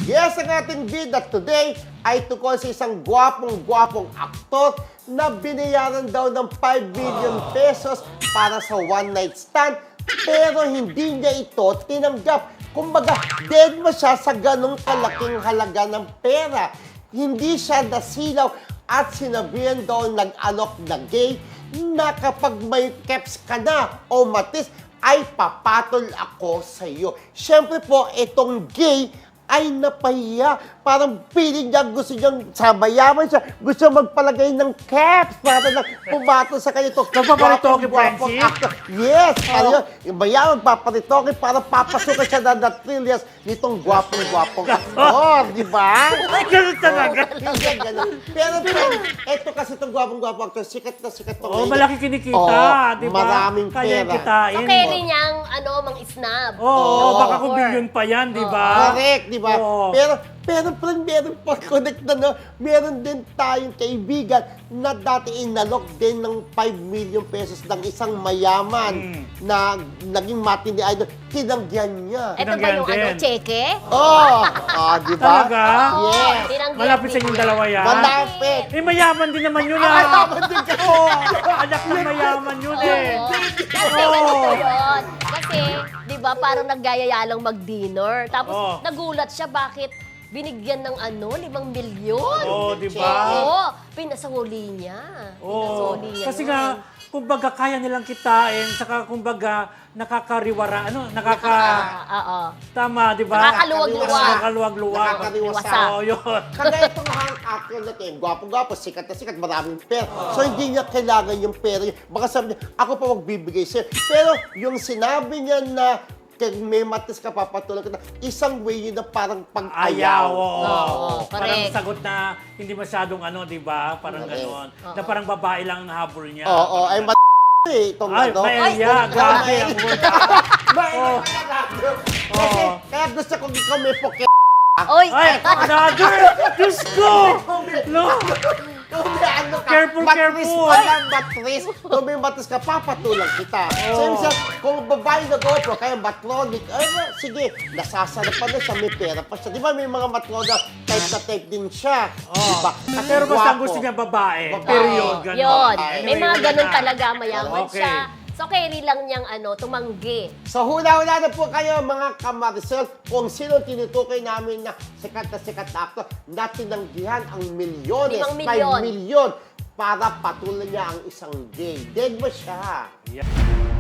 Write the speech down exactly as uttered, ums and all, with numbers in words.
Yes, ang ating bida today ay tungkol sa isang gwapong-gwapong aktor na binayaran daw ng five million pesos para sa one-night stand pero hindi niya ito tinanggap. Kumbaga, dead mo siya sa ganong kalaking halaga ng pera. Hindi siya nasilaw at sinabihan daw nag-alok na gay na kapag may keps ka na o matis, ay papatol ako sa iyo. Siyempre po, itong gay ay napahiya. Parang feeling niya, gusto niyang sabayaman siya. Gusto magpalagay ng caps para lang pumatol sa kanya. Nagpaparitoke, Francis? Yes! Ano yun? Yung bayaman, paparitoke para papasukan siya na na trillions nitong gwapong-gwapong aktor. Di ba? Ganun talaga. Hindi, ganun. Pero, eto kasi itong gwapong-gwapong aktor, sikat na sikat to. Oo, malaki kinikita, Oo, di ba? maraming Kaya pera. kitain. So, carry niyang, ano, mang snub. Oo, Oo. baka kung billion pa yan, di ba? Correct, di ba? Oo. Pero, pero friend, meron pa connect na, no? Meron din tayong kaibigan na dati inalok din ng five million pesos ng isang mayaman Mm. na naging matindi idol. Tinanggihan niya. Ito ba Tinanggihan yung, ano, din. cheque? Oh! Ah, di ba? Talaga? Yes. Tinanggihan Malapit sa din inyong niya. dalawa yan. Malapit. Eh, mayaman din naman yun, Ah, ah. mayaman din ka. Oo, anak ng mayaman yun, eh. Oo. Kasi Oo. ganito yun. Kasi, di ba, parang naggayaya lang mag-dinner. Tapos, Oo. nagulat siya bakit binigyan ng ano, limang milyon. Oo, di ba? Oo, pinasahuli niya. Oo. Pinasahuli niya. Kasi yun. nga, kumbaga kaya nilang kitain, saka kumbaga nakakariwara, ano, nakaka... Ah, oo. Tama, di ba? Nakakaluwag-luwag. Nakakaluwag-luwag. Nakakaliwasa. Oo, yun. Kaya itong hang actor na ito, gwapo-gwapo, sikat na sikat, maraming pera. So, hindi niya kailangan yung pera niya. Baka sabi niya, ako pa magbibigay sa'yo. Pero, yung sinabi niya na kung may matis ka, papatulang kita, isang way yun na parang Ayaw, pag-ayaw. oo. Oo, Parang correct. sagot na hindi masyadong ano, di ba? Parang Correct. gano'n. Na parang babae lang ang habol niya. Oo, ay mat eh, itong Ay, ano. Maelia, grabe ang word. Maelia Oo. talaga. Kasi, Oo. kaya gusto kong ikaw may poke. Oy! Ay, another! Diyos ko! No! Kung may ano ka, Careful, matris careful. ka lang, matris. Kung may matris ka, papatulang kita. So, Oo. yung siya, kung babae na GoPro, kaya matronic, ay, well, sige, nasasarapan na siya, may pera pa siya. Di ba may mga matrona, type na type din siya. Oo. Di ba? Kasi Pero basta ang gwapo. gusto niya babae. Babae. Period. Ganun. Yun. Ay, May mga wala ganun na. talaga, mayaman Okay. siya. So, carry lang niyang, ano, tumanggi. So, hula-hula na po kayo mga kamarisel kung sino tinutukoy namin na sikat na sikat na actor na tinanggihan ang milyones, Limang five milyon. milyon para patuloy niya ang isang gay. Dead mo siya. Yeah.